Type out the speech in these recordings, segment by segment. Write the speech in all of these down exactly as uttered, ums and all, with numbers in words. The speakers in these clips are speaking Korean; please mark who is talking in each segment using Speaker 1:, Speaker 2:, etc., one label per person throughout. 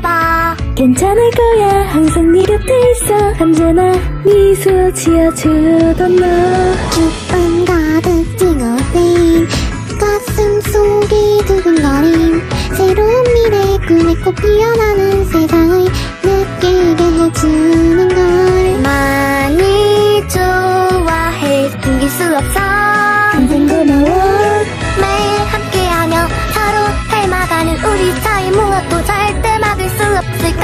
Speaker 1: 봐.
Speaker 2: 괜찮을 거야 항상 네 곁에 있어 언제나 미소 지어주던 너.
Speaker 1: 기쁨 가득 찡어대인 가슴 속이 두근거림 새로운 미래 꿈에 꽃 피어나는 세상을 느끼게 해주는 걸 많이 좋아해 숨길 수 없어
Speaker 2: 항상 고마워
Speaker 1: 매일 함께하며 서로 닮아가는 우리 사이 무엇도 절대 막을 수 없을걸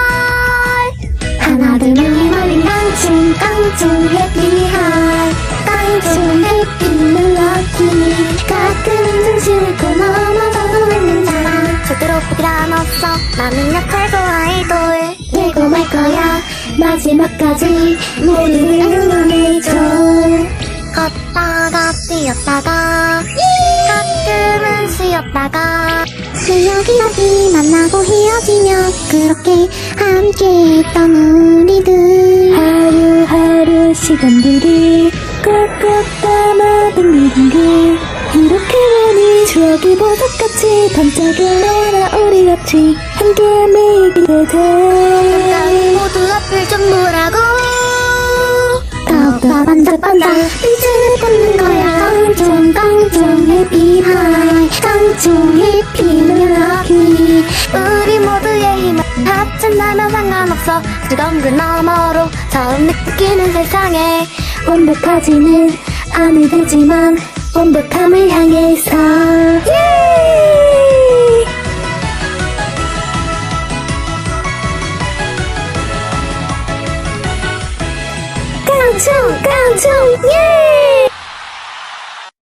Speaker 1: 하나 둘셋 멀린 깡충 깡충 해피하이 깡충 해피 럭키 가끔은 정신을 잃고 넘어져도 있는 사람 절대로 포기란 없어 나는 약할 거 아이돌 되고 말 거야 마지막까지 모두를 응원해줘 걷다가 뛰었다가 가끔은 쉬었다가 기억이 만나고 헤어지며 그렇게 함께 있던 우리들
Speaker 2: 하루하루 시간들이 꽉꽉 담아 빙글빙글 이렇게 보니 추억이 보석같이 반짝여 너와 우리 같이 함께 매일 기대돼
Speaker 1: 모두 앞을 좀 보라고 더욱더 반짝반짝 빛을 꽂는 거야 깡총 깡총 해피하이 깡총 해피 럭키 우리 모두의 힘을 합친다면 상관없어 뜨거운 그 너머로 처음 느끼는 세상에
Speaker 2: 완벽하지는 않으지만 완벽함을 향해서 예! 깡총 깡총 예!